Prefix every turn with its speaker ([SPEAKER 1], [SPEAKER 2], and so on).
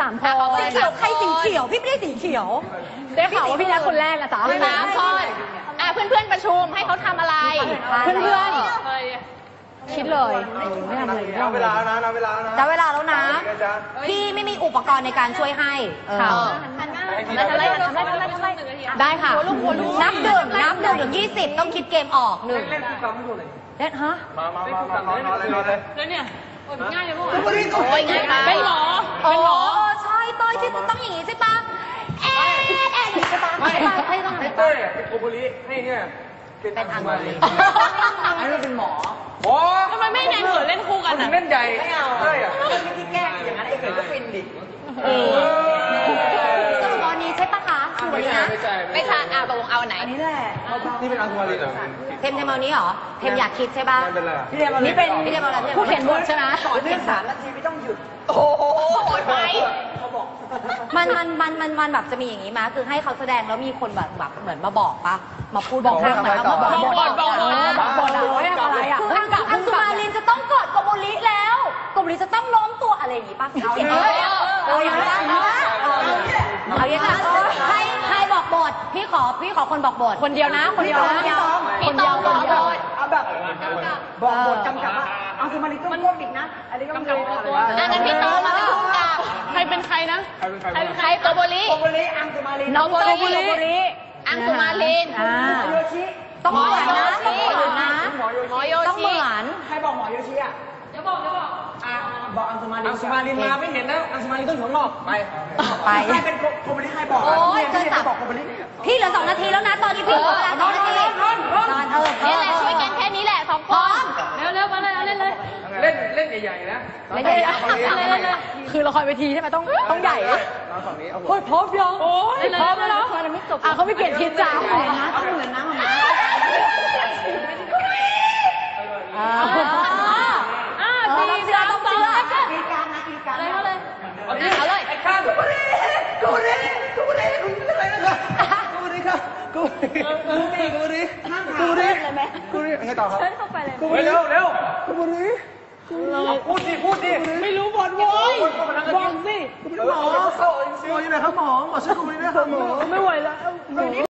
[SPEAKER 1] 3 คน
[SPEAKER 2] สีเขียวใครสีเขียวพี่ไม่ได้สีเขียว
[SPEAKER 1] ได้ข่าวว่าพี่นัทคนแรกนะจ๊ะ
[SPEAKER 3] 3 คนเพื่อนๆประชุมให้เขาทำอะไร
[SPEAKER 1] เพื่อนคิดเลยไม่ทำอะไร
[SPEAKER 4] นับเวลาแล้วนะนับเวลาแล้วนะ
[SPEAKER 2] ได้เวลาแล้วนะพี่ไม่มีอุปกรณ์ในการช่วยให้
[SPEAKER 3] ทำอะไร
[SPEAKER 1] ได้ค่ะ
[SPEAKER 2] นับ1 ถึง 20ต้องคิดเกมออก1
[SPEAKER 4] เล่นคู่กรรมไม่ถูกเลย
[SPEAKER 2] เล่นฮะ
[SPEAKER 4] มาเลย
[SPEAKER 3] แล้วเนี่ยง่ายเลยมั้ง
[SPEAKER 4] โอ้ยง่ายไป
[SPEAKER 3] เป็นหมอ
[SPEAKER 2] ใช่ต้อยที่ต้องอย่างนี้ใช่ปะใช่ปะ
[SPEAKER 4] ไม่ต้องให้เต้ยเป็นโกโบริให้เนี่ย
[SPEAKER 2] เป็นอังกฤษ
[SPEAKER 4] ให้เราเป็นหมอ
[SPEAKER 3] ทำไมไม่แนนเขินเล่นคู่กันอ่ะ
[SPEAKER 4] เล่นใหญ่
[SPEAKER 2] ไม่เอา
[SPEAKER 4] เต้ยอ่ะ
[SPEAKER 2] ที่แกล้งอย่างนั้นไอ้เขินก็ฟินดิสรุปวันนี้ใช่ปะคะคือวันนี้นะ
[SPEAKER 3] ไม่ใช่ตกลงเอาไหน
[SPEAKER 2] นี่แหละ
[SPEAKER 4] นี่เป็นอังคุมารินเหรอ
[SPEAKER 2] เทมเอานี้เหรอเทมอยากคิดใช่ปะ
[SPEAKER 4] นี่เป็น
[SPEAKER 2] พี่เทมเอาอะไร
[SPEAKER 1] ผู้เขียนบทใช่ไหม
[SPEAKER 2] ต่อเนื่อง3 นาทีไม่ต้องหยุด
[SPEAKER 3] โอ้โหโหดไป
[SPEAKER 2] มันแบบจะมีอย่างนี้มาคือให้เขาแสดงแล้วมีคนแบบเหมือนมาบอกปะมาพูดบอกข้างเหมือนมาบอก
[SPEAKER 1] ให้ทำอะไรอ่ะ
[SPEAKER 2] คืออังสุมารินจะต้องกอดโกโบริแล้วโกโบริจะต้องล้มตัวอะไรอย่างนี้ปะเอาอย่างนี้เอาอย่างนี้ใครบอกบทพี่ขอคนบอกบท
[SPEAKER 1] คนเดียวนะ
[SPEAKER 3] พี่ตองบอกบท
[SPEAKER 2] เอาแบบบอกบทกำกับว่าอังสุมารินต้องก้มอีกนะอันนี้ก็ไม่รู้
[SPEAKER 3] งั้นพี่ตองมาเป็นผู้กำกับ
[SPEAKER 1] ใครเป็นใครนะ
[SPEAKER 3] ใครโกโบริ
[SPEAKER 2] อังสุมาริน
[SPEAKER 3] โกโบริอังสุมาริน
[SPEAKER 2] โยชิต้องเหมือนนะต้องเหมือนนะ
[SPEAKER 3] หมอโยชิ
[SPEAKER 2] ต้องเหมือน
[SPEAKER 5] ใครบอกหมอโยชิอ่ะ
[SPEAKER 3] จะบอก
[SPEAKER 5] บอกอังสุมาริน
[SPEAKER 4] อังสุมารินมาไม่เห็นนะอังสุมารินต้องอยู่ข้างนอกไป
[SPEAKER 5] ใครเป็นโกโบริใครบอก
[SPEAKER 2] โอ้ยเกิน3
[SPEAKER 5] บอกโกโบริ
[SPEAKER 2] พี่เหลือ2 นาทีแล้วนะตอนนี้พี่เหลือเวลา2 นาที
[SPEAKER 3] นี่แหละช่วยกันแค่นี้แหละ2 คนเร็วมาเลยเล่นเลย
[SPEAKER 4] เล่นใหญ่ๆนะ
[SPEAKER 2] ไม่ใช่
[SPEAKER 1] คือละครเวทีใช่ไหมต้องใหญ่
[SPEAKER 4] ฝั่งนี้
[SPEAKER 1] โอ้ยพร้อมยังโอ้ยพร้อมแล้วเขาไม่เปลี่ยนทิศจ้า
[SPEAKER 2] ต้องเหมือนนะมา
[SPEAKER 3] ตีเสือต้องเสือ
[SPEAKER 2] กีการนะกีการ
[SPEAKER 3] เอาเลย
[SPEAKER 4] ไอ้ข้ากูไม่ได้กูไม่ได้ไงต่อครับ
[SPEAKER 2] เข้าไปเลย
[SPEAKER 4] เร็วกูไม่ได้พูดดิ
[SPEAKER 1] ไม่รู้บทโว้ยบอกสิ
[SPEAKER 4] หมอเข้าอยู่ไหนครับหมอช่วยกูไม่ได้ครับหมอ
[SPEAKER 1] ไม่ไหวแล้ว